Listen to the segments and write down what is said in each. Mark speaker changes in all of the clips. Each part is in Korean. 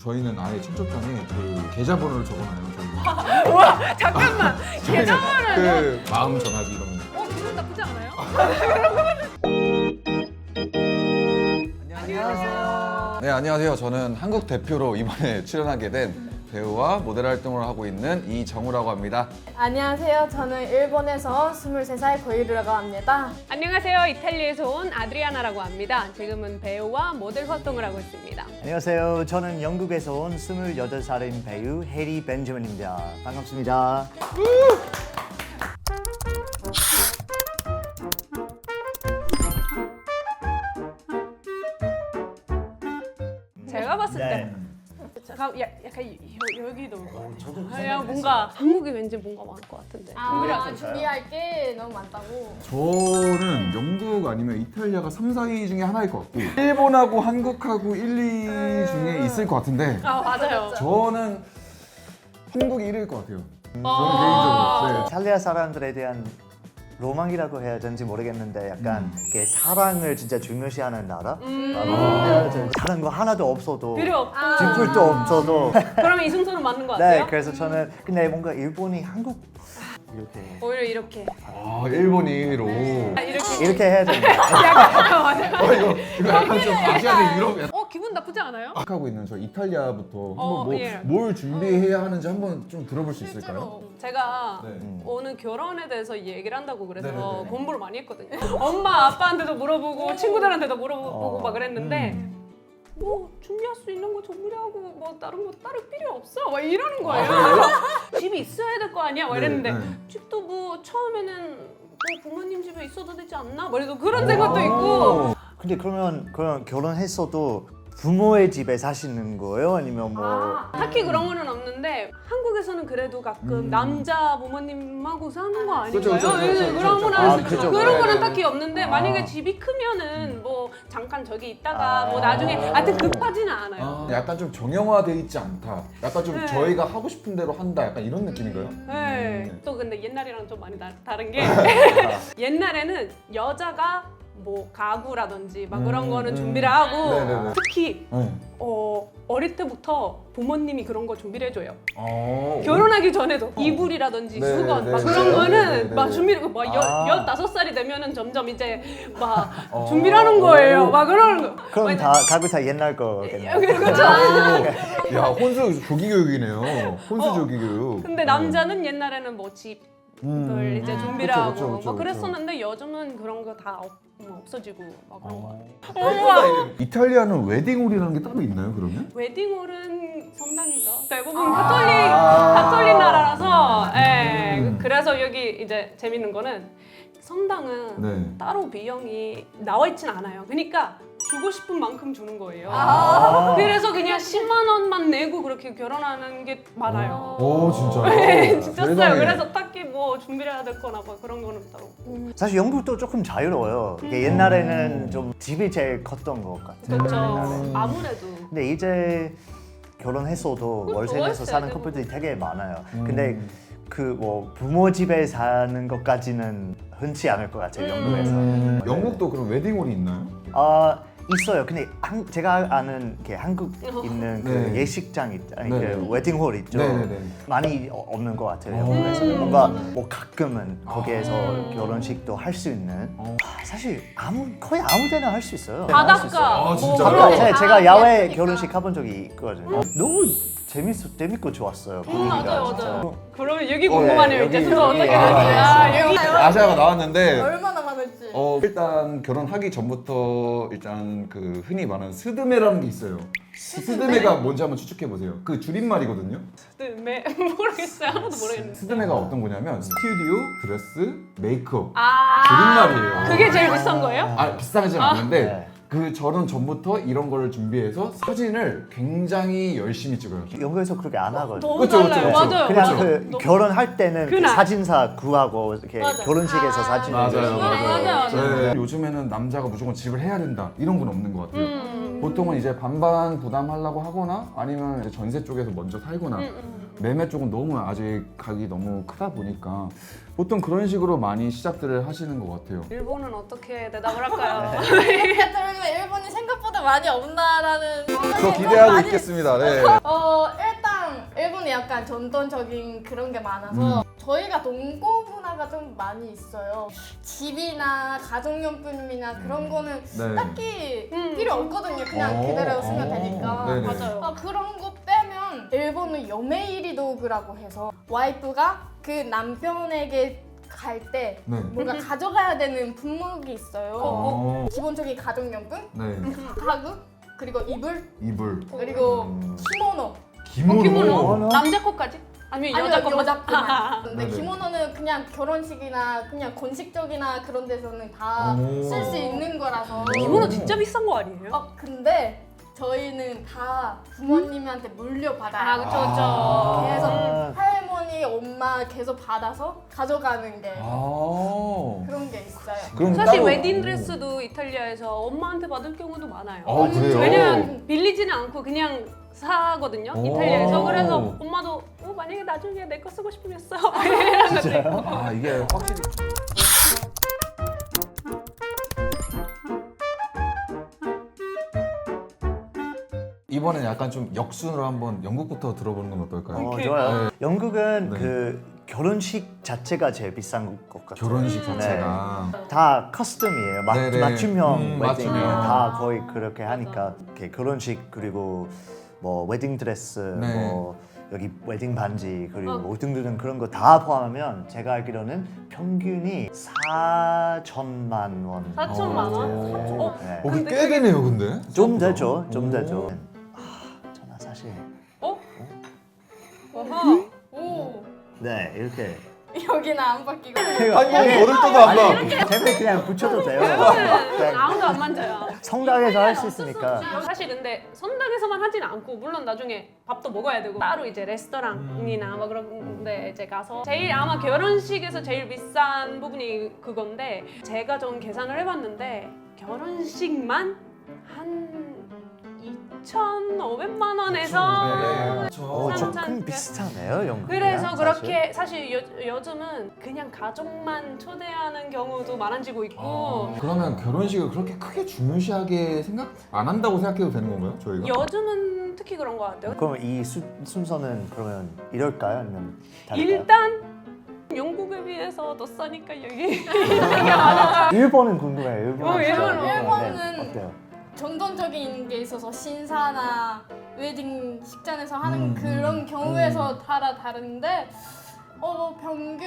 Speaker 1: 저희는 아예 청첩장에 그 계좌번호를 적어놔요. 저희는.
Speaker 2: 우와 잠깐만
Speaker 1: 저희는
Speaker 2: 계좌번호는
Speaker 1: 그 마음 전화기 이런 거.
Speaker 2: 기분 나쁘지 않아요?
Speaker 3: 안녕하세요.
Speaker 1: 네, 안녕하세요. 저는 한국 대표로 이번에 출연하게 된 배우와 모델 활동을 하고 있는 이정우라고 합니다.
Speaker 4: 안녕하세요. 저는 일본에서 23살 고이루라고 합니다.
Speaker 2: 안녕하세요. 이탈리아에서 온 아드리아나라고 합니다. 지금은 배우와 모델 활동을 하고 있습니다.
Speaker 3: 안녕하세요. 저는 영국에서 온 28살인 배우 해리 벤저민입니다. 반갑습니다.
Speaker 2: 제가 봤을 때
Speaker 3: 네.
Speaker 2: 약간 여기도 그냥 뭔가 한국이 왠지 뭔가 많을 것 같은데
Speaker 4: 준비할 게 너무 많다고.
Speaker 1: 저는 영국 아니면 이탈리아가 3, 4위 중에 하나일 것 같고 일본하고 한국하고 1, 2 중에 있을 것 같은데
Speaker 2: 아 맞아요.
Speaker 1: 저는 한국이 1위일 것 같아요. 저는 개인적으로. 네.
Speaker 3: 이탈리아 사람들에 대한 로망이라고 해야 되는지 모르겠는데 약간 이렇게 사랑을 진짜 중요시하는 나라? 다른 거 하나도 없어도
Speaker 2: 필요 없고
Speaker 3: 뒷풀도 없어도
Speaker 2: 그러면 이 순서는 맞는 것
Speaker 3: 네,
Speaker 2: 같아요.
Speaker 3: 그래서 저는 근데 뭔가 일본이 한국 이렇게
Speaker 2: 오히려 이렇게
Speaker 1: 아, 일본이 1위로.
Speaker 3: 이렇게 해야 된다.
Speaker 2: 맞아요.
Speaker 1: 이거 약간 좀 아시아의 유럽
Speaker 2: 기분 나쁘지 않아요?
Speaker 1: 하고 있는 저 이탈리아부터 한번
Speaker 2: 예.
Speaker 1: 뭘 준비해야 하는지 한번 좀 들어볼 수 있을까요?
Speaker 2: 제가
Speaker 1: 네.
Speaker 2: 오늘 결혼에 대해서 얘기를 한다고 그래서
Speaker 1: 네네네.
Speaker 2: 공부를 많이 했거든요. 엄마 아빠한테도 물어보고 친구들한테도 물어보고 막 그랬는데 뭐 준비할 수 있는 거 준비하고 뭐 다른 거 따로 필요 없어 막 이러는 거예요. 집이 있어야 될 거 아니야 막 이랬는데
Speaker 1: 네.
Speaker 2: 집도 뭐 처음에는 뭐 부모님 집에 있어도 되지 않나? 막 이래서 그런 생각도 있고
Speaker 3: 근데 그러면 하했어도 부모의 집에 사시는 거예요? 아니면 뭐
Speaker 2: 딱히 그런 거는 없는데 한국에서는 그래도 가끔 남자 부모님하고 사는 거 아닌가요?
Speaker 1: 그쵸, 그쵸, 그쵸,
Speaker 2: 그런
Speaker 1: 그쵸.
Speaker 2: 거는
Speaker 3: 아, 그쵸.
Speaker 2: 그런 거는
Speaker 1: 네,
Speaker 2: 딱히 없는데
Speaker 3: 아.
Speaker 2: 만약에 집이 크면은 뭐 잠깐 저기 있다가
Speaker 3: 아.
Speaker 2: 뭐 나중에 하여튼 급하지는 않아요.
Speaker 1: 아, 약간 좀 정형화돼 있지 않다. 약간 좀
Speaker 2: 네.
Speaker 1: 저희가 하고 싶은 대로 한다. 약간 이런 느낌인가요?
Speaker 2: 네. 또 근데 옛날이랑 좀 많이 다른 게 옛날에는 여자가 뭐 가구라든지 막 그런 거는 준비를 하고
Speaker 1: 네네네.
Speaker 2: 특히
Speaker 1: 네.
Speaker 2: 어릴 때부터 부모님이 그런 거 준비를 해줘요.
Speaker 1: 어,
Speaker 2: 결혼하기 전에도 이불이라든지
Speaker 1: 네,
Speaker 2: 수건
Speaker 1: 네,
Speaker 2: 막
Speaker 1: 네,
Speaker 2: 그런
Speaker 1: 네,
Speaker 2: 거는
Speaker 1: 네, 네,
Speaker 2: 막
Speaker 1: 네.
Speaker 2: 준비를 막
Speaker 3: 아.
Speaker 2: 15살이 되면은 점점 이제 막 준비를 하는 거예요. 막 그러는 거.
Speaker 3: 그럼 다 가구 다 옛날 거겠네요.
Speaker 2: 그렇죠.
Speaker 1: 야, 혼수 조기 교육이네요. 혼수 조기 교육.
Speaker 2: 근데 남자는 옛날에는 뭐 집을 이제 준비를
Speaker 1: 그쵸,
Speaker 2: 하고
Speaker 1: 그쵸, 그쵸,
Speaker 2: 막 그랬었는데 요즘은 그런 거 다 없어지고 막 그런 거
Speaker 1: 어. 이탈리아는 웨딩홀이라는 게 따로 있나요, 그러면?
Speaker 2: 웨딩홀은 성당이죠. 대부분 가톨릭 나라라서 그래서 여기 이제 재밌는 거는 성당은
Speaker 1: 네.
Speaker 2: 따로 비용이 나와 있진 않아요. 그러니까 주고 싶은 만큼 주는 거예요. 그래서 그냥 10만 원만 내고 그렇게 결혼하는 게 많아요.
Speaker 1: 오, 진짜요?
Speaker 2: 네, 진짜
Speaker 1: 세상에.
Speaker 2: 써요. 그래서 딱히 뭐 준비를 해야 될 거나 뭐 그런 거는 따로.
Speaker 3: 사실 영국도 조금 자유로워요. 이게 옛날에는 좀 집이 제일 컸던 것 같아요.
Speaker 2: 그렇죠.
Speaker 3: 옛날에.
Speaker 2: 아무래도.
Speaker 3: 근데 이제 결혼했어도 월세 내서
Speaker 2: 월세
Speaker 3: 사는
Speaker 2: 내고.
Speaker 3: 커플들이 되게 많아요. 근데 그 뭐 부모 집에 사는 것까지는 흔치 않을 것 같아요, 영국에서.
Speaker 1: 영국도 그럼 웨딩홀이 있나요?
Speaker 3: 있어요. 근데 제가 아는 게 한국 있는 그
Speaker 1: 네.
Speaker 3: 예식장 아니
Speaker 1: 네.
Speaker 3: 그 웨딩홀 있죠.
Speaker 1: 네네네.
Speaker 3: 많이 없는 것 같아요. 영국에서는 뭔가 뭐 가끔은 거기에서 결혼식도 할 수 있는. 사실 거의 아무데나 할 수 있어요.
Speaker 2: 바닷가.
Speaker 1: 아, 진짜요?
Speaker 2: 뭐 그런 거
Speaker 3: 제가
Speaker 2: 다
Speaker 3: 야외
Speaker 2: 예쁘니까.
Speaker 3: 결혼식 가본 적이 있거든요. 너무 재밌고 좋았어요. 분위기가
Speaker 2: 맞아요,
Speaker 3: 진짜.
Speaker 2: 맞아요. 그러면 여기 궁금하네요.
Speaker 3: 네,
Speaker 2: 이제
Speaker 3: 여기,
Speaker 2: 순서 어떻게
Speaker 3: 여기.
Speaker 2: 될지. 여기.
Speaker 1: 아시아가 나왔는데
Speaker 4: 얼마나 많을지.
Speaker 1: 일단 결혼하기 전부터 일단 그 흔히 말하는 스드메라는 게 있어요. 스드메가 뭔지 한번 추측해 보세요. 그 줄임말이거든요.
Speaker 2: 모르겠어요. 하나도 모르겠는데.
Speaker 1: 스드메가 어떤 거냐면 스튜디오, 드레스, 메이크업
Speaker 2: 아,
Speaker 1: 줄임말이에요.
Speaker 2: 그게 제일 비싼 거예요?
Speaker 1: 아, 비싸진 않은데
Speaker 3: 네.
Speaker 1: 그 결혼 전부터 이런 거를 준비해서 사진을 굉장히 열심히 찍어요.
Speaker 3: 영국에서 그렇게 안 하거든요.
Speaker 2: 너무
Speaker 1: 그쵸, 그쵸,
Speaker 2: 달라요.
Speaker 1: 그쵸.
Speaker 2: 맞아요.
Speaker 3: 그냥
Speaker 2: 맞아요.
Speaker 3: 그
Speaker 2: 너무-
Speaker 3: 결혼할 때는 그
Speaker 2: 그날.
Speaker 3: 사진사 구하고 이렇게
Speaker 2: 맞아.
Speaker 3: 결혼식에서 사진을
Speaker 1: 맞아요,
Speaker 3: 열심히
Speaker 2: 맞아요.
Speaker 1: 네, 요즘에는 남자가 무조건 집을 해야 된다 이런 건 없는 것 같아요. 보통은 이제 반반 부담하려고 하거나 아니면 이제 전세 쪽에서 먼저 살거나 매매 쪽은 너무 아직 가격이 너무 크다 보니까 보통 그런 식으로 많이 시작들을 하시는 것 같아요.
Speaker 2: 일본은 어떻게 대답을 할까요?
Speaker 4: 이렇게 들으면 일본이 생각보다 많이 없나라는
Speaker 1: 저
Speaker 4: 생각이
Speaker 1: 기대하고
Speaker 4: 많이
Speaker 1: 있겠습니다. 네.
Speaker 4: 일단 일본이 약간 전통적인 그런 게 많아서 저희가 농고 문화가 좀 많이 있어요. 집이나 가정용품이나 그런 거는
Speaker 1: 네.
Speaker 4: 딱히 필요 없거든요. 그냥 그대로 쓰면 되니까.
Speaker 1: 네네.
Speaker 2: 맞아요.
Speaker 4: 그런 거 빼면 일본은 요메이리 도구라고 해서 와이프가 그 남편에게 갈 때
Speaker 1: 네.
Speaker 4: 뭔가 가져가야 되는 품목이 있어요.
Speaker 1: 어.
Speaker 4: 기본적인 가정용품,
Speaker 1: 네.
Speaker 4: 가구, 그리고 이불,
Speaker 1: 이불.
Speaker 4: 그리고 키모노.
Speaker 1: 기모노.
Speaker 2: 기모노? 남자 거까지? 아니면 여자
Speaker 4: 아니요,
Speaker 2: 거만?
Speaker 4: 여자뿐만. 근데
Speaker 1: 네네.
Speaker 4: 기모노는 그냥 결혼식이나 그냥 건식적이나 그런 데서는 다
Speaker 1: 오.
Speaker 4: 쓸 수 있는 거라서.
Speaker 2: 기모노 진짜 비싼 거 아니에요?
Speaker 4: 근데 저희는 다 부모님한테 물려받아요.
Speaker 2: 아, 그쵸, 그쵸.
Speaker 4: 그래서 할머니, 엄마 계속 받아서 가져가는 게
Speaker 1: 아.
Speaker 4: 그런 게 있어요.
Speaker 1: 그럼
Speaker 2: 사실
Speaker 1: 따로-
Speaker 2: 웨딩 드레스도 이탈리아에서 엄마한테 받을 경우도 많아요.
Speaker 1: 아, 그래요?
Speaker 2: 왜냐면 빌리지는 않고 그냥 사거든요.
Speaker 1: 오.
Speaker 2: 이탈리아에서. 그래서 엄마도 만약에 나중에 내 거 쓰고 싶으면 써. 이런 것도 있고.
Speaker 1: 아, 이게 확실히 이번엔 약간 좀 역순으로 한번 영국부터 들어보는 건 어떨까요?
Speaker 2: 오케이.
Speaker 3: 좋아요. 영국은
Speaker 1: 네.
Speaker 3: 그 결혼식 자체가 제일 비싼 것 같아요.
Speaker 1: 결혼식
Speaker 3: 네.
Speaker 1: 자체가
Speaker 3: 다 커스텀이에요.
Speaker 1: 네네.
Speaker 3: 맞춤형 웨딩
Speaker 1: 맞춤형.
Speaker 3: 다 거의 그렇게 하니까 이렇게 결혼식 그리고 뭐 웨딩 드레스
Speaker 1: 네.
Speaker 3: 뭐 여기 웨딩 반지 그리고
Speaker 2: 어.
Speaker 3: 뭐 등등등 그런 거 다 포함하면 제가 알기로는 평균이 4천만 원.
Speaker 2: 4천만 원?
Speaker 1: 오.
Speaker 3: 네.
Speaker 1: 그게 꽤 되네요, 근데.
Speaker 3: 좀 되죠, 좀
Speaker 1: 오.
Speaker 3: 되죠. 저는 사실
Speaker 2: 어허.
Speaker 4: 오,
Speaker 3: 네 이렇게
Speaker 4: 여기는 안 바뀌고.
Speaker 1: 아니, 뭐 머리도 안 봐.
Speaker 3: 템에 그냥 붙여도 돼요.
Speaker 2: 이거는 아무도 안 만져요.
Speaker 3: 성당에서 할 수 있으니까.
Speaker 2: 사실 근데 성당에서만 하진 않고 물론 나중에 밥도 먹어야 되고 따로 이제 레스토랑이나 뭐 그런 데 이제 가서 제일 아마 결혼식에서 제일 비싼 부분이 그건데 제가 좀 계산을 해봤는데 결혼식만 한 2,500만 원에서
Speaker 1: 그렇죠.
Speaker 3: 조금 비슷하네요, 영국.
Speaker 2: 그래서 그렇게 사실 요즘은 그냥 가족만 초대하는 경우도 많아지고 있고
Speaker 1: 그러면 결혼식을 그렇게 크게 중요시하게 생각 안 한다고 생각해도 되는 건가요, 저희가?
Speaker 2: 요즘은 특히 그런 것 같아요.
Speaker 3: 그럼 이 순서는 그러면 이럴까요, 아니면 다를까요?
Speaker 2: 일단 영국에 비해서 더 싸니까 여기
Speaker 3: 일본은 궁금해요. 일본은.
Speaker 2: 일본은
Speaker 3: 진짜.
Speaker 4: 일본은
Speaker 3: 네, 어때요?
Speaker 4: 전통적인 게 있어서 신사나 웨딩 식장에서 하는 그런 경우에서 따라 다른데 평균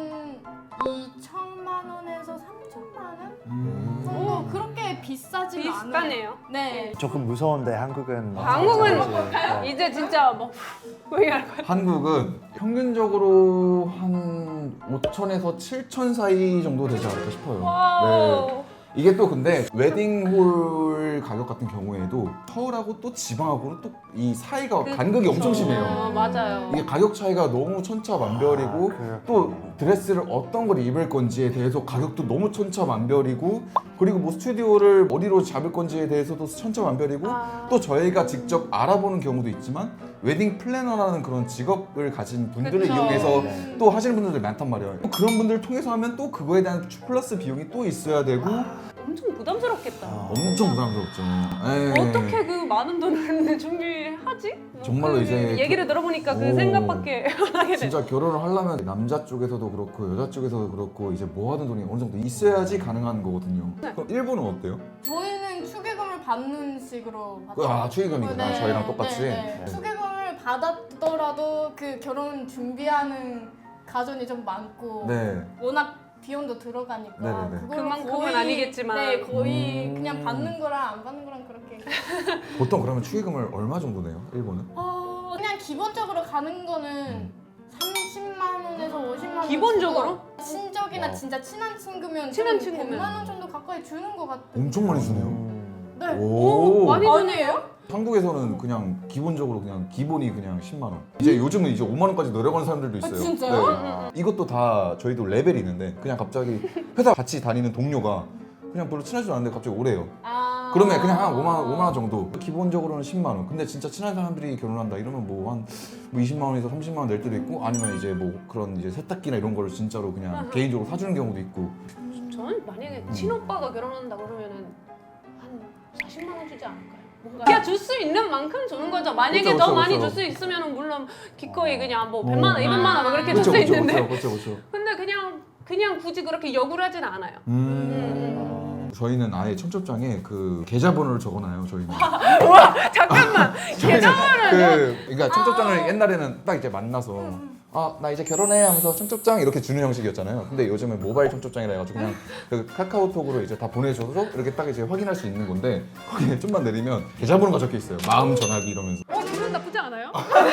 Speaker 4: 2천만 원에서 3천만 원 정도 그렇게 비싸지는 않아요.
Speaker 2: 비슷하네요.
Speaker 4: 네.
Speaker 3: 조금 무서운데 한국은.
Speaker 2: 한국은
Speaker 3: 네.
Speaker 2: 이제 진짜 뭐 얘기할 거야.
Speaker 1: 한국은 평균적으로 한 5천에서 7천 사이 정도 되지 않을까 싶어요. 네.
Speaker 2: 와우.
Speaker 1: 이게 또 근데 웨딩홀 가격 같은 경우에도 서울하고 또 지방하고는 또 이 사이가 간극이 엄청 심해요.
Speaker 2: 맞아요.
Speaker 1: 이게 가격 차이가 너무 천차만별이고
Speaker 3: 아,
Speaker 1: 또 드레스를 어떤 걸 입을 건지에 대해서 가격도 너무 천차만별이고 그리고 뭐 스튜디오를 어디로 잡을 건지에 대해서도 천차만별이고 또 저희가 직접 알아보는 경우도 있지만 웨딩 플래너라는 그런 직업을 가진 분들을
Speaker 2: 그쵸.
Speaker 1: 이용해서
Speaker 3: 네.
Speaker 1: 또 하시는 분들도 많단 말이에요. 또 그런 분들을 통해서 하면 또 그거에 대한 플러스 비용이 또 있어야 되고
Speaker 2: 엄청 부담스럽겠다.
Speaker 1: 엄청 부담스럽죠. 에이.
Speaker 2: 어떻게 그 많은 돈을 준비하지? 뭐
Speaker 1: 정말로
Speaker 2: 그
Speaker 1: 이제
Speaker 2: 얘기를 들어보니까 그
Speaker 1: 오.
Speaker 2: 생각밖에 안 하게 돼.
Speaker 1: 진짜 결혼을 하려면 남자 쪽에서도 그렇고 여자 쪽에서도 그렇고 이제 모아둔 돈이 어느 정도 있어야지 가능한 거거든요. 그럼 일본은 어때요?
Speaker 4: 저희는 축의금을 받는 식으로 받죠.
Speaker 1: 축의금이구나.
Speaker 4: 네,
Speaker 1: 저희랑 똑같이.
Speaker 4: 네. 축의금을 받았더라도 그 결혼 준비하는 가정이 좀 많고
Speaker 1: 네.
Speaker 4: 워낙 비용도 들어가니까
Speaker 1: 네네네.
Speaker 4: 그거를
Speaker 2: 그만큼은
Speaker 4: 거의-
Speaker 2: 아니겠지만.
Speaker 4: 네, 거의
Speaker 1: 음.
Speaker 4: 그냥 받는 거랑 안 받는 거랑 그렇게
Speaker 1: 보통 그러면 축의금을 얼마 정도 내요? 일본은?
Speaker 4: 그냥 기본적으로 가는 거는 30만 원에서 50만 원
Speaker 2: 기본적으로?
Speaker 4: 주고 친척이나
Speaker 1: 와.
Speaker 4: 진짜 친한 친구면
Speaker 2: 친한
Speaker 4: 좀
Speaker 2: 친구면.
Speaker 4: 100만 원 정도 가까이 주는 것 같아요.
Speaker 1: 엄청 많이 주네요.
Speaker 4: 네.
Speaker 1: 오.
Speaker 2: 많이
Speaker 4: 아니에요?
Speaker 1: 한국에서는 그냥 기본적으로 그냥 기본이 그냥 10만 원. 이제 요즘은 이제 5만 원까지 내려가는 사람들도 있어요.
Speaker 4: 진짜요?
Speaker 1: 네. 이것도 다 저희도 레벨이 있는데 그냥 갑자기 회사 같이 다니는 동료가 그냥 별로 친하지도 않은데 갑자기 오래요. 그러면 그냥 한 5만 원 정도. 기본적으로는 10만 원. 근데 진짜 친한 사람들이 결혼한다 이러면 뭐 한 20만 원에서 30만 원 낼 때도 있고 아니면 이제 뭐 그런 이제 세탁기나 이런 거를 진짜로 그냥 개인적으로 사주는 경우도 있고.
Speaker 2: 저는 만약에 친오빠가 결혼한다 그러면은 한 40만 원 주지 않을까요? 뭔가 그냥 줄 수 있는 만큼 주는 거죠. 만약에
Speaker 1: 그쵸,
Speaker 2: 더
Speaker 1: 그쵸,
Speaker 2: 많이
Speaker 1: 그쵸.
Speaker 2: 줄 수 있으면은 물론 기꺼이 그냥 뭐 100만 원, 200만 원 그렇게 줄 수
Speaker 1: 그렇죠,
Speaker 2: 있는데
Speaker 1: 그렇죠.
Speaker 2: 근데 그냥 굳이 그렇게 요구를 하진 않아요.
Speaker 1: 저희는 아예 청첩장에 그 계좌번호를 적어놔요. 저희는.
Speaker 2: 와 잠깐만 계좌번호를
Speaker 1: 그러니까 청첩장을 옛날에는 딱 이제 만나서 나 이제 결혼해 하면서 청첩장 이렇게 주는 형식이었잖아요. 근데 요즘은 모바일 청첩장이라 해가지고 그냥 그 카카오톡으로 이제 다 보내줘서 이렇게 딱 이제 확인할 수 있는 건데 거기에 좀만 내리면 계좌번호가 적혀 있어요. 마음 전화기 이러면서.
Speaker 2: 기분 나쁘지 않아요?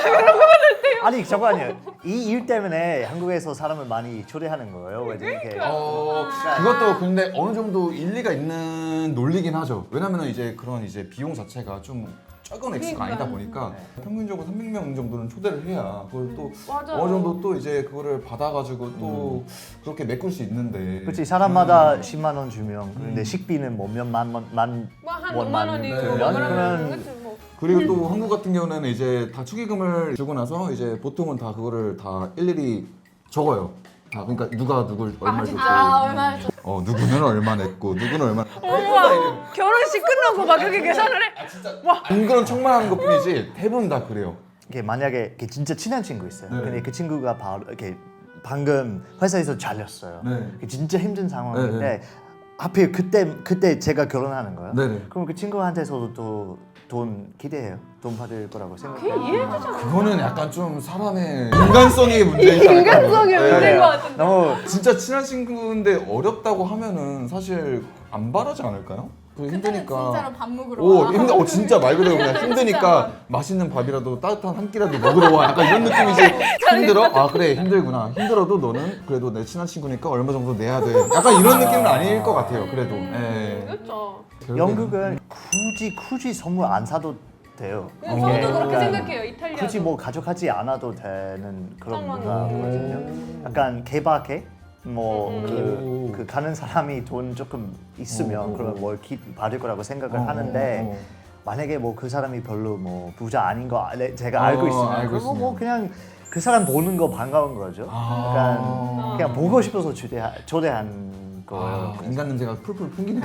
Speaker 3: 아니 잠깐만요. 이 일 때문에 한국에서 사람을 많이 초대하는 거예요. 왜 이렇게
Speaker 1: 그것도 근데 어느 정도 일리가 있는 논리긴 하죠. 왜냐면은 이제 그런 이제 비용 자체가 좀 적은 액수가 아니다 보니까 평균적으로 300명 정도는 초대를 해야 그걸 또
Speaker 2: 맞아요.
Speaker 1: 어느 정도 또 이제 그거를 받아가지고 또 그렇게 메꿀 수 있는데.
Speaker 3: 그렇지 사람마다 10만 원 주면 근데 식비는 뭐 몇만 원, 만
Speaker 2: 뭐한
Speaker 3: 원만
Speaker 2: 5만 원이고
Speaker 1: 네.
Speaker 2: 뭐
Speaker 3: 그러면
Speaker 2: 그러면 그치 뭐.
Speaker 1: 그리고 또 한국 같은 경우는 이제 다 축의금을 주고 나서 이제 보통은 다 그거를 다 일일이 적어요. 다 그러니까 누가 누굴 얼마 줬고,
Speaker 4: 얼마 줬
Speaker 1: 누구는 얼마 냈고, 누구는 얼마.
Speaker 2: 어머 결혼식 끝나고 막 그렇게 계산을 해?
Speaker 1: 은근 척만하는 것뿐이지 대부분 다 그래요.
Speaker 3: 이게 만약에 이렇게 진짜 친한 친구 있어요.
Speaker 1: 네.
Speaker 3: 근데 그 친구가 바로 이렇게 방금 회사에서 잘렸어요.
Speaker 1: 네.
Speaker 3: 진짜 힘든 상황인데
Speaker 1: 네,
Speaker 3: 하필 그때 제가 결혼하는 거예요.
Speaker 1: 네네.
Speaker 3: 그럼 그 친구한테서도 또 돈 기대해요. 돈 받을 거라고
Speaker 2: 그게
Speaker 3: 생각해요.
Speaker 2: 이해되잖아.
Speaker 1: 그거는 약간 좀 사람의 인간성의 문제이지 않을까요?
Speaker 2: 인간성의
Speaker 1: 네.
Speaker 2: 문제인 것 같은데.
Speaker 3: 너무
Speaker 1: 진짜 친한 친구인데 어렵다고 하면은 사실 안 바라지 않을까요? 그 힘드니까.
Speaker 4: 진짜로 밥 먹으러 와.
Speaker 1: 진짜 말 그대로 그냥 힘드니까 맛있는 밥이라도 따뜻한 한 끼라도 먹으러 와. 약간 이런 느낌이지. 힘들어? 아 그래 힘들구나. 힘들어도 너는 그래도 내 친한 친구니까 얼마 정도 내야 돼. 약간 이런 느낌은 아닐 것 같아요. 그래도. 예.
Speaker 2: 그렇죠.
Speaker 3: 영국은 굳이 선물 안 사도 돼요.
Speaker 2: 저도
Speaker 3: 이게
Speaker 2: 그렇게
Speaker 3: 약간
Speaker 2: 생각해요. 이탈리아.
Speaker 3: 굳이 뭐 가져가지 않아도 되는 그런
Speaker 2: 상황이거든요.
Speaker 3: 문화거든요. 약간 개박해 뭐
Speaker 1: 오.
Speaker 3: 그 가는 사람이 돈 조금 있으면 그러면 뭘 받을 거라고 생각을 하는데 만약에 뭐 그 사람이 별로 뭐 부자 아닌 거 제가 알고 있으면
Speaker 1: 알고
Speaker 3: 그거 뭐
Speaker 1: 있으면.
Speaker 3: 그냥 그 사람 보는 거 반가운 거죠. 약간 그냥 보고 싶어서 초대한 거예요.
Speaker 1: 인간 냄새가 풀풀 풍기네요.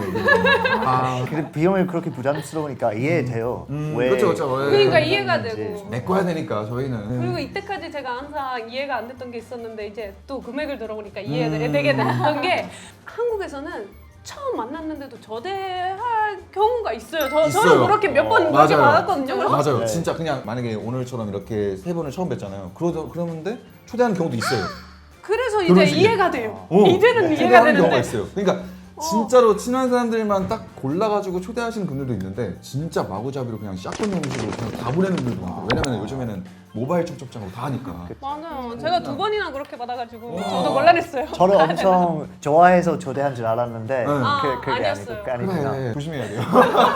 Speaker 3: 근데 비용이 그렇게 부담스러우니까 이해돼요. 왜
Speaker 1: 그렇죠.
Speaker 2: 그러니까 이해가
Speaker 3: 그런지.
Speaker 2: 되고.
Speaker 1: 메꿔야 되니까 저희는.
Speaker 2: 그리고 이때까지 제가 항상 이해가 안 됐던 게 있었는데 이제 또 금액을 들어보니까 이해가 되게 됐던 게 한국에서는 처음 만났는데도 저대할 경우가 있어요. 저는
Speaker 1: 있어요.
Speaker 2: 그렇게 몇 번 그렇게
Speaker 1: 맞아요.
Speaker 2: 받았거든요. 그래서
Speaker 1: 맞아요.
Speaker 3: 네.
Speaker 1: 진짜 그냥 만약에 오늘처럼 이렇게 세 번을 처음 뵀잖아요. 그러는데 초대하는 경우도 있어요.
Speaker 2: 그래서 이제
Speaker 1: 결혼식에.
Speaker 2: 이해가 돼요.
Speaker 1: 어,
Speaker 2: 이제는 이해가
Speaker 1: 초대하는 경우가
Speaker 2: 되는데
Speaker 1: 있어요. 그러니까 진짜로 친한 사람들만 딱 골라가지고 초대하시는 분들도 있는데 진짜 마구잡이로 그냥 샷건 형식으로 그냥 다 보내는 분들도 많고 왜냐면 요즘에는 모바일 청첩장으로 다 하니까.
Speaker 2: 맞아요. 제가 2번이나 그렇게 받아가지고 저도 곤란했어요.
Speaker 3: 저를 엄청 좋아해서 초대한 줄 알았는데 그게
Speaker 2: 아니었어요.
Speaker 3: 아니구나.
Speaker 1: 그래 조심해야 돼요.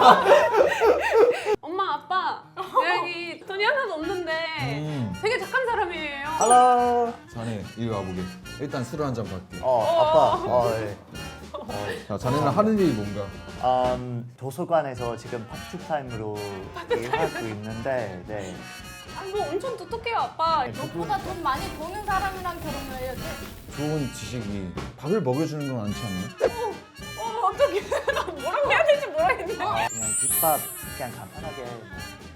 Speaker 2: 엄마 아빠 여기 돈이 하나도 없는데 되게 착한 사람이에요.
Speaker 3: Hello.
Speaker 1: 자네 이리 와보게. 일단 술을 한 잔 받게.
Speaker 3: 아빠. 네.
Speaker 1: 자, 자네는 하는 일이 뭔가?
Speaker 3: 도서관에서 지금 파트타임으로 일하고 있는데 네.
Speaker 2: 뭐 엄청 똑똑해요 아빠.
Speaker 4: 너보다 돈 많이 버는 사람이랑 결혼을 해야 돼.
Speaker 1: 좋은 지식이 밥을 먹여주는 건 않지 않나요?
Speaker 2: 어떻게 나 뭐라고 해야 될지 모르겠네.
Speaker 3: 그냥 김밥 그냥 간단하게